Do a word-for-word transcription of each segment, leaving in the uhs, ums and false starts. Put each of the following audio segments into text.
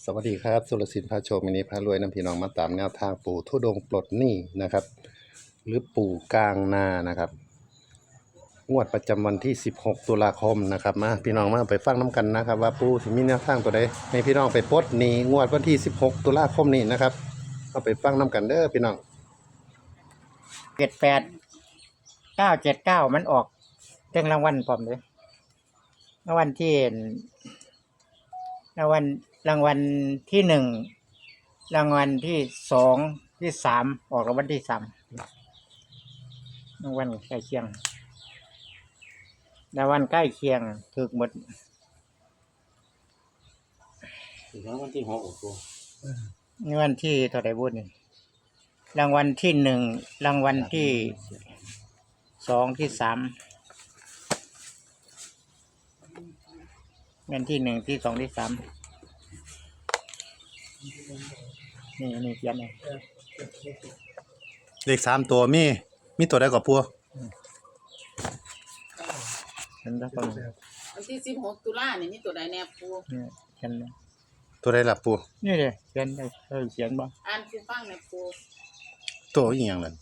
สวัสดีครับสุรศิลป์พาโชคมินิพารวยน้ำพี่น้องมาตามแนวทางปู่ทุดงค์ปลดหนี้นะครับ หรือปู่กลางนานะครับงวดประจำวันที่สิบหกตุลาคมนะครับมาพี่น้องมาไปฟังน้ำกันนะครับ ว่าปู่สิมีแนวทางตัวใดให้พี่น้องไปปลดหนี้งวดวันที่สิบหกตุลาคมนี้นะครับเอาไปฟังน้ำกันเด้อพี่น้องเจ็ดแปดเก้าเจ็ดเก้ามันออกเรื่องรางวัลพร้อมเลยรางวัลที่รางวัลรางวัลที่หนึ่งรางวัลที่สองที่สามออกรางวัลที่สามรางวัลใกล้เคียงรางวัลใกล้เคียงถูกหมดรางวัลที่หกกูรางวัลที่เท่าไหร่บุญนี่รางวัลที่หนึ่งรางวัลที่สองที่สามเงินที่หนึ่งที่สองที่สามนี่นี่เขียนเลยเลขสามตัวมีมีตัวใดกับปู่เขียนแล้วก็วันที่สิบหกตุลาเนี่ยมีตัวใดแน่ปูเนี่ยเขียนเลยตัวใดล่ะปู่นี่เลยเขียนได้เออเขียนบ่อ่านคือฟังในปูตัวอีหยังนั่น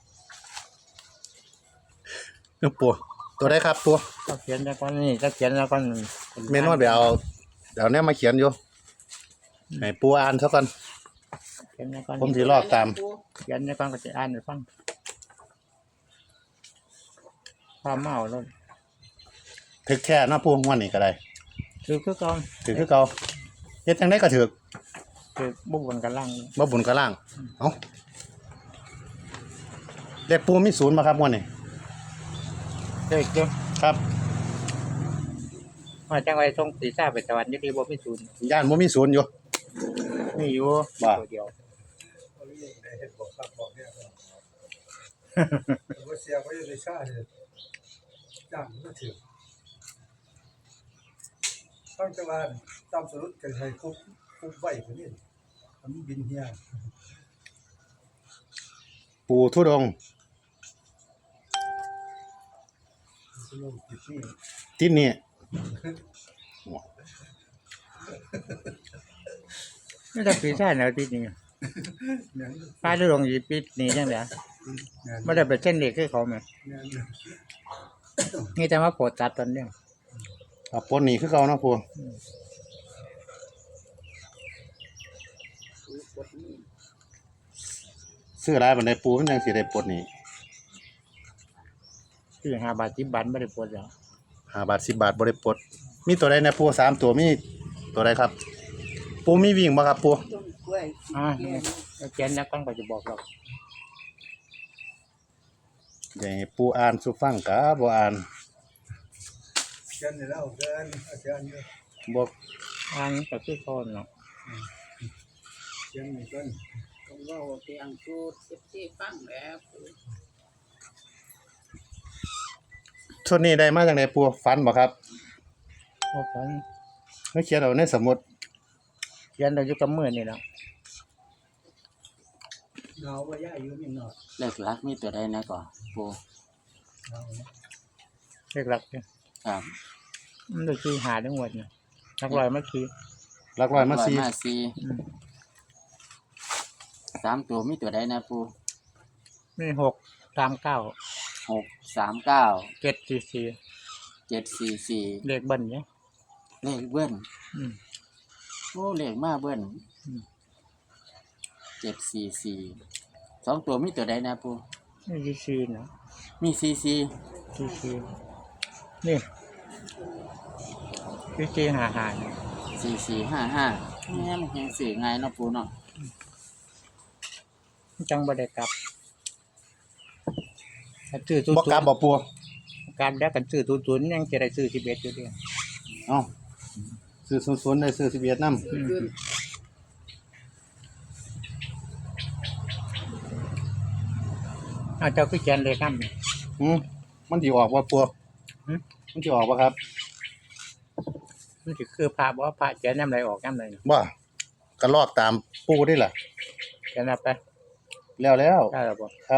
เอ้อปู่ตัวใดครับปู่ก็เขียนแล้วก็นี่ก็เขียนแล้วก็เมนวดไปเอาเดี๋ยวเนี้มาเขียนอยู่ให้ปู่อ่านซะก่อนเขียนแล้วก็ผมสิลอกตามเขียนแล้วก็จะอ่านให้ฟังความเมาแล้วถึกแค่เนาะปู่วันนี้ก็ได้คือคือก่อนถือคือเก่าเฮ็ดจังได๋ก็ถือคือบุกบนกันล่างบ่บุญก็ล่างเอ้าเลขปู่มีศูนย์บ่ครับงวดนี้เด็กเด้อครับมาจังไว้ส่งสีซ่าไปสวรรค์อยู่ที่บ่มีศูนย์ย่านบ่มีศูนย์อยู่นี่อยู่ว่าตัวเดียวว่าเสียไว้ในชาติจ้างก็ถือตั้งแต่ว่าตามสรุปกันให้คุบคุบไว้คนนี้มันบินเฮียปู่ทุดงค์สรุปติดนี่ที่นี่ไม่ได้สีซ่าแนวที่นี่เนี่ยป้าฤดงสิปิดนี่จังได๋เนี่ยบ่ได้ไปเส้นเด็กคือเขาแม่เนี่ยนี่แต่ว่าโปรดตัดตอนเนี้ยอ่ะปลดหนี้คือเก่าเนาะปู่ซื้อหลายบันไดปู่มันจังสิได้ปลดหนี้คือห้าบาทสิบบาทบ่ได้โปรดแล้วห้าบาทสิบบาทบ่ได้ปลดมีตัวใดนะปู่สามตัวมีตัวใดครับปู่มีวิ่งบ่ครับปู่ต้นกล้วยอ่าแล้วเขียนแล้วก็จะบอกเราอย่าให้ปู่อ่านสู่ฟังกะบ่อ่านเชิญเลยแล้วเชิญเชิญเลยบ่อ่านก็คือเขาเนาะเชิญนี่ก่อนผมว่าโอเคอังคูดเอฟซีฟังแล้วปูชุดนี้ได้มาจากไหนปู่ฝันบ่ครับบ่ฝันไม่เขียนเอาในสมุดเขียนได้อยู่กับมือนี่แหละเงาว่าย่าอยู่นี่เนาะเลขหลักมีตัวใดนะก่อนปูเงาเลขหลักเนี่ยครับมันได้คือหาทั้งหมดเนี่ยหลักร้อยมาคือหลักร้อยมาสี่มาสี่อืมสามตัวมีตัวใดนะปูมีหกสามเก้าหกสามเก้าเจ็ดสี่สี่เจ็ดสี่สี่เลขเบิ้ลเนี่ยเลขเบิ้ลอืมโอ้เลขมาเบิ้ลอืมเจ็ดสี่สี่สองตัวมีตัวใดนะปูนี่สี่สี่เนาะมีสี่สี่สี่สี่นี่สี่สี่หาหาเนี่ยสี่สี่ห้าห้าเนี่ยมันยังสื่อไงายเนาะปูเนาะจังบ่ได้กลับถ้าซื้อศูนบ่ย์กลับบ่ปู่การแล้วกันซื้อศูนย์ศูนย์ยังจะได้ซื้อสิบเอ็ดอยู่เดียวเอ้าซื้อศูนย์ๆได้ซื้อสิบเอ็ดนำขึ้นขึ้นอ้าวเจ้าคือเขียนเลยครับอืมมันสิออกบ่ปู่หืมมันสิออกบ่ครับมันสิคือพระบ่พระเขียนน้ำไรออกน้ำไรบ่ก็ลอกตามปู่นี่ล่ะเขียนเอาไปแล้วแล้วได้หรอบ่ครับ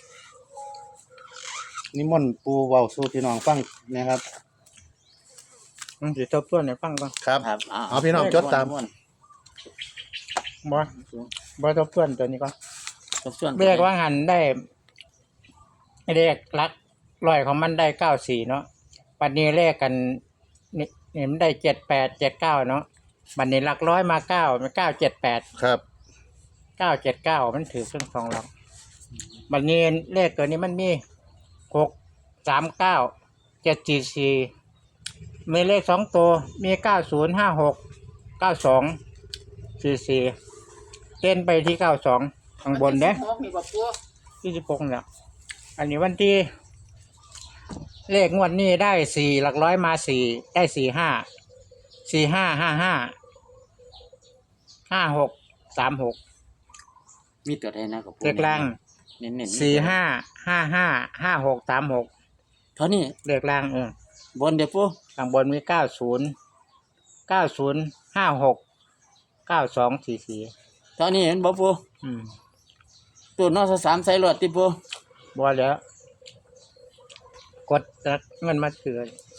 นิมนต์ปู่เว้าสู่พี่น้องฟังนะครับมันสิทบทวนให้ฟังก่อนครับครับเอาพี่น้องจดตามวนบ่บ่ทบทวนตัวนี้ก่อนทบทวนเรียกว่าหันได้เรียกลักร้อยของมันได้เก้าสี่เนาะปัจนี้เลขกันนี่นี่มันได้เจ็ดแปดเจ็ดเก้าเนาะบัดนี้หลักร้อยมาเก้ามันเก้าเจ็ดแปดครับเก้าเจ็ดเก้ามันถือเครื่องสองหลักบัดนี้เลขตัวนี้มันมีหกสามเก้าเจ็ดสี่สี่มีเลขสองตัวมีเก้าศูนย์ห้าหกเก้าสองสี่สี่เต้นไปที่เก้าสองข้างบนเด้อหกนี่บ่ปูยี่สิบหกเนี่ยอันนี้วันที่เลขงวดนี้ได้สี่หลักร้อยมาสี่ได้สี่ห้าสี่ห้าห้าห้าห้าหกสามหกมีตัวใดนะกับเลขล่างเน้นๆสี่ห้าห้าห้าห้าหกสามหกเท่านี้เลขล่างเออบนเดี๋ยวปูข้างบนมีเก้าศูนย์เก้าศูนย์ห้าหกเก้าสองสี่สี่เท่านี้เห็นบ่ปูอืมตัวนอกสามใส่รถติปูบัวแล้ว กดเงินมาซื้อ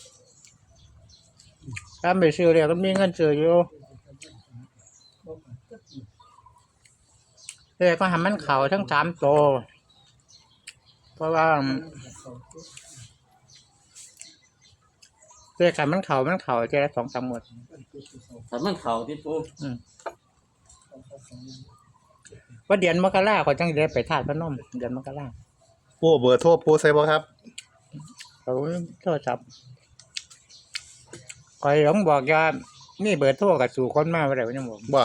ถ้าไม่ซื้อเดี๋ยวก็มีเงินซื้ออยู่เดี๋ยวก็ทำมันเข่าทั้งสามโตวเพราะว่าเดี๋ยวกันมันเข่ามันเข่าเจละสองสามหมดถ้ามันเข่าติปูอืมว่าเดือนมกราเขาจังได้ไปทาสพนมเดือนมกราปูเบอร์โทรปูใส่บ่ครับเขาโทรศัพท์คอยหลงบอกว่านี่เบอร์โทรกับสู่คนมาอะไรวะเนี่ยผมบ่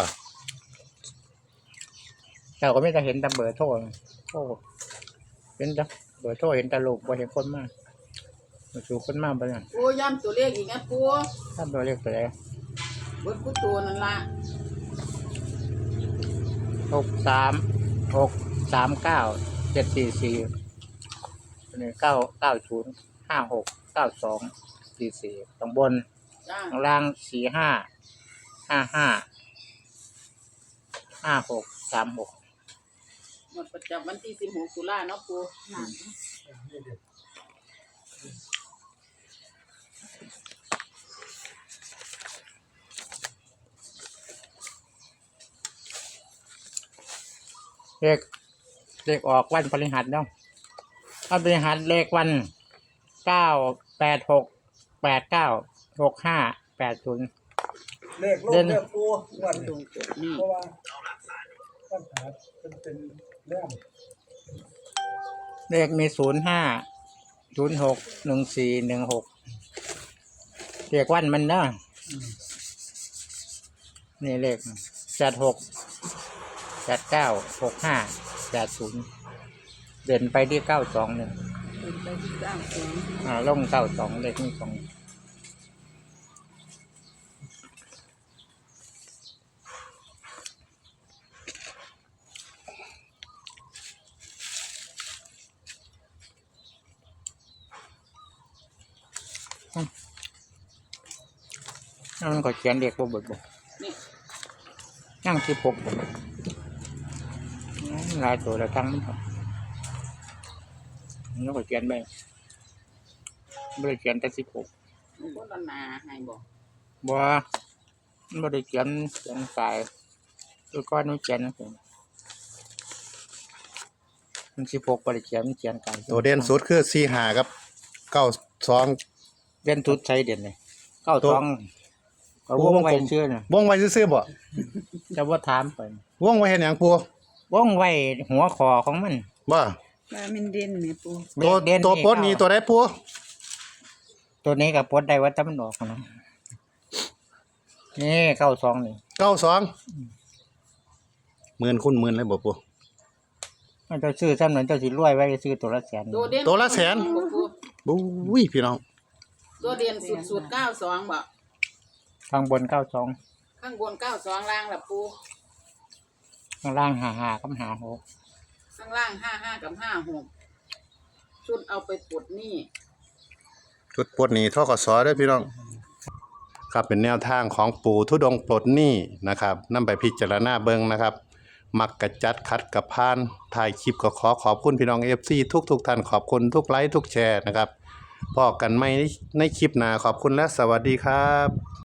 เราก็ไม่ได้เห็นแต่เบอร์โทรโอ้เห็นแต่เบอร์โทรเห็นแต่ลูกบ่เห็นคนมาสู่คนมาไปเนี่ยปูย้ำตัวเลขอีกนะปูถ้าเบอร์เรียกตัวไหนเบิดกูตัวนั่นล่ะหกสามหกสามเก้าเจ็ดสี่สี่นี่เก้าเก้าศูนย์ห้าหกเก้าสองสี่สี่ตรงบนจ้าข้างล่างสี่ห้าห้าห้าห้าหกสามหกหมดประจำวันที่สิบหกตุลาเนาะปูนั่นเลขเลขออกวันพฤหัสเนาะวันพฤหัสเลขวันเก้าแปดหกแปดเก้าหกห้าแปดศูนย์เลขลงเด่นเรียกปูวันตรนี้งจุดนี้เพราะว่าปัญหาเป็นเป็นแรงเลขมีศูนย์ห้าศูนย์หกหนึ่งสี่หนึ่งหกเลขวันมันเนาะนี่เลขแปดหกแปดเก้าหกห้าแปดศูนย์เด่นไปที่เก้าสองเนี่ยเป็นไปที่เก้าสองอ่าลงเก้าสองเลขนี่สองนั่นก็เขียนเด็กบ่บ่บ่นี่นั่งที่พกบ่หลายตัวละทั้งมันครับแล้วก็เขียนไปไม่ได้เขียนแต่สิบหกมันบ่ละนาให้บ่บ่มันไม่ได้เขียนเขียนสายตัวก้อนมันเขียนนะผมมันสิบหกบ่ได้เขียนมันเขียนกายตัวเด่นสุดคือสี่ห้ากับเก้าสองเด่นทุดใช้เด่นเลยเก้าตัวสองก็ตัวววงงไว้กลมเชื่อน่ะวงไว้ซื่อๆบ่จะว่าถามไปวงไว้เฮ็ดหยังปูวงไว้หัวคอของมันบ่ว่ามันเด่นนี่ปูตัวเด่นตัวโปดนี้ตัวใดปูตัวนี้กับปดได้ว่าถ้ามันออกนะนี่เก้าสองนี่เก้าสองหมื่นคูณหมื่นเลยบ่ปูมันจะซื้อซ้ำนั้นเจ้าสิรวยไว้ซื้อตัวละแสนตัวเด่นตัวละแสนบ่ปูบุ้ยพี่น้องตัวเด่นสุดๆเก้าสองบ่ข้างบนเก้าสองข้างบนเก้าสองล่างล่ะปูข้างล่างหาหากับหาหกข้างล่างห้าห้ากับห้าหกชุดเอาไปปลดหนี้ชุดปลดหนี้ทกสด้วยพี่น้องครับเป็นแนวทางของปู่ทุดงค์ปลดหนี้นะครับนำไปพิจารณาเบิ่งนะครับ มักกะจัดคัดกับพานถ่ายคลิปก็ขอขอบคุณพี่น้อง เอฟ ซี ทุกทุกท่านขอบคุณทุกไลค์ทุกแชร์นะครับพอกันไม่ในคลิปหน้าขอบคุณและสวัสดีครับ